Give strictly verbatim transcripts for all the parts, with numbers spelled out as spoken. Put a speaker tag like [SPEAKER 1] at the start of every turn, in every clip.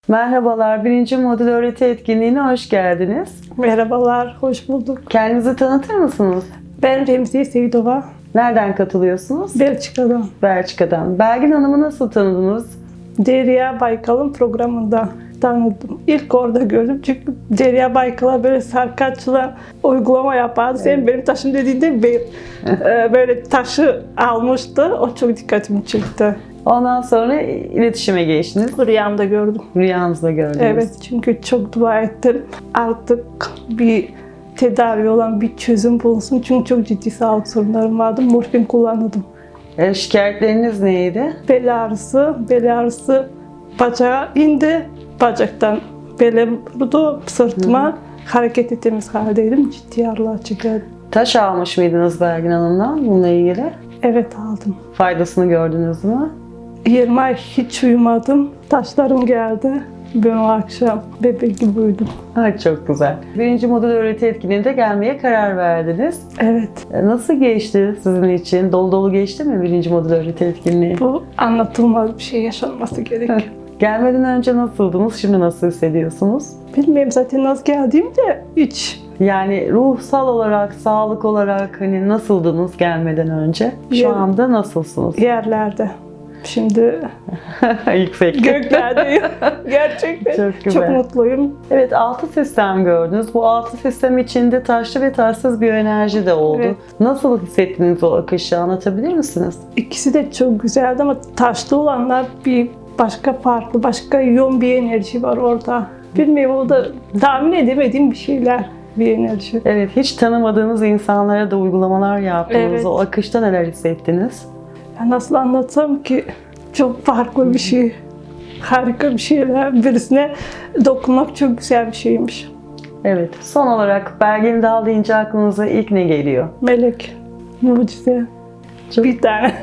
[SPEAKER 1] Merhabalar, birinci modül öğreti etkinliğine hoş geldiniz.
[SPEAKER 2] Merhabalar, hoş bulduk.
[SPEAKER 1] Kendinizi tanıtır mısınız?
[SPEAKER 2] Ben Remziye Seyidova,
[SPEAKER 1] Nereden katılıyorsunuz?
[SPEAKER 2] Belçika'dan.
[SPEAKER 1] Belçika'dan. Belgin Hanım'ı nasıl tanıdınız?
[SPEAKER 2] Derya Baykal'ın programında tanıdım. İlk orada gördüm çünkü Derya Baykal'a böyle sarkaçla uygulama yapardı. Sen
[SPEAKER 1] Evet.
[SPEAKER 2] benim taşım dediğinde bir, e, böyle taşı almıştı. O çok dikkatimi çekti.
[SPEAKER 1] Ondan sonra iletişime geçtiniz.
[SPEAKER 2] Rüyamda gördüm.
[SPEAKER 1] Rüyanızda gördünüz.
[SPEAKER 2] Evet, çünkü çok dua ettim. Artık bir tedavi olan bir çözüm bulunsun. Çünkü çok ciddi sağlık sorunlarım vardı. Morfin kullanıyordum.
[SPEAKER 1] E, şikayetleriniz neydi?
[SPEAKER 2] Bel ağrısı, bel ağrısı bacağa indi. Bacaktan bele vurdu, sırtıma. Hı hı. Hareket ettiğimiz haldeydim. Ciddi ağrılar çekerdim.
[SPEAKER 1] Taş almış mıydınız Belgin Hanım'dan bununla ilgili?
[SPEAKER 2] Evet, aldım.
[SPEAKER 1] Faydasını gördünüz mü?
[SPEAKER 2] yirmi ay hiç uyumadım. Taşlarım geldi. Ben o akşam bebek gibi uyudum.
[SPEAKER 1] Ay, çok güzel. Birinci modül öğreti etkinliğinde gelmeye karar verdiniz.
[SPEAKER 2] Evet.
[SPEAKER 1] E, Nasıl geçti sizin için? Dolu dolu geçti mi birinci modül öğreti etkinliği?
[SPEAKER 2] Bu anlatılmaz bir şey yaşanması gerekiyor.
[SPEAKER 1] Gelmeden önce nasıldınız? Şimdi nasıl hissediyorsunuz?
[SPEAKER 2] Bilmiyorum zaten nasıl geldiğimde hiç.
[SPEAKER 1] Yani ruhsal olarak, sağlık olarak hani nasıldınız gelmeden önce? Şu
[SPEAKER 2] Yer-
[SPEAKER 1] anda nasılsınız?
[SPEAKER 2] Yerlerde. Şimdi
[SPEAKER 1] Yüksek.
[SPEAKER 2] göklerdeyim. Gerçekten
[SPEAKER 1] Çok
[SPEAKER 2] çok,
[SPEAKER 1] güzel.
[SPEAKER 2] mutluyum.
[SPEAKER 1] Evet, altı sistem gördünüz. Bu altı sistem içinde taşlı ve taşsız biyoenerji de oldu.
[SPEAKER 2] Evet.
[SPEAKER 1] Nasıl hissettiniz o akışı, anlatabilir misiniz?
[SPEAKER 2] İkisi de çok güzeldi ama taşlı olanlar bir başka farklı, başka yoğun bir enerji var orada. Bilmiyorum, o da tahmin edemediğim bir şeyler, bir enerji.
[SPEAKER 1] Evet, hiç tanımadığınız insanlara da uygulamalar yaptınız.
[SPEAKER 2] Evet.
[SPEAKER 1] O akışta neler hissettiniz?
[SPEAKER 2] Ya nasıl anlatsam ki, çok farklı bir şey. Harika bir şeyler. Birisine dokunmak çok güzel bir şeymiş.
[SPEAKER 1] Evet, son olarak Belgin Dal deyince aklınıza ilk ne geliyor?
[SPEAKER 2] Melek, mucize.
[SPEAKER 1] Çok-
[SPEAKER 2] Bir tane.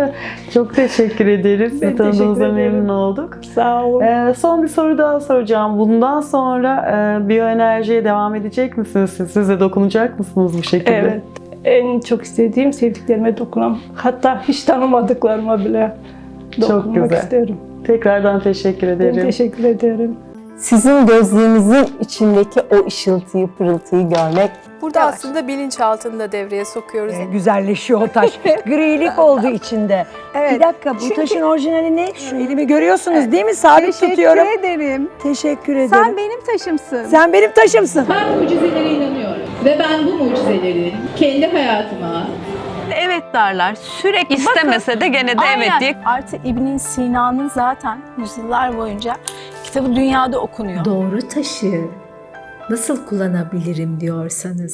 [SPEAKER 1] Çok teşekkür ederiz.
[SPEAKER 2] Ben
[SPEAKER 1] Sizi tanıdığımıza
[SPEAKER 2] teşekkür ederim.
[SPEAKER 1] memnun olduk.
[SPEAKER 2] Sağ olun.
[SPEAKER 1] Ee, son bir soru daha soracağım. Bundan sonra e, biyoenerjiye devam edecek misiniz? Siz, siz de dokunacak mısınız bu şekilde?
[SPEAKER 2] Evet. En çok istediğim sevdiklerime dokunam. Hatta hiç tanımadıklarıma bile
[SPEAKER 1] Çok
[SPEAKER 2] dokunmak
[SPEAKER 1] güzel.
[SPEAKER 2] isterim.
[SPEAKER 1] Tekrardan teşekkür
[SPEAKER 2] Ben
[SPEAKER 1] ederim.
[SPEAKER 2] teşekkür ederim.
[SPEAKER 3] Sizin gözlüğünüzün içindeki o ışıltıyı, pırıltıyı görmek.
[SPEAKER 4] Burada
[SPEAKER 3] Yavaş.
[SPEAKER 4] aslında bilinçaltını da devreye sokuyoruz.
[SPEAKER 5] Ee, güzelleşiyor o taş. Grilik oldu içinde.
[SPEAKER 6] Evet.
[SPEAKER 5] Bir dakika, bu
[SPEAKER 6] Çünkü-
[SPEAKER 5] taşın orijinali ne? Şu elimi görüyorsunuz değil mi? Sabit
[SPEAKER 6] Teşekkür
[SPEAKER 5] tutuyorum.
[SPEAKER 6] ederim.
[SPEAKER 5] Teşekkür ederim.
[SPEAKER 6] Sen benim taşımsın.
[SPEAKER 5] Sen benim taşımsın.
[SPEAKER 7] Ben mucizelere inanıyorum ve ben bu mucizeleri kendi hayatıma
[SPEAKER 8] Evet derler. Sürekli
[SPEAKER 9] İstemese de gene de evet diye.
[SPEAKER 8] Artı İbn Sina'nın zaten yüzyıllar boyunca kitabı dünyada okunuyor.
[SPEAKER 10] Doğru taşı nasıl kullanabilirim diyorsanız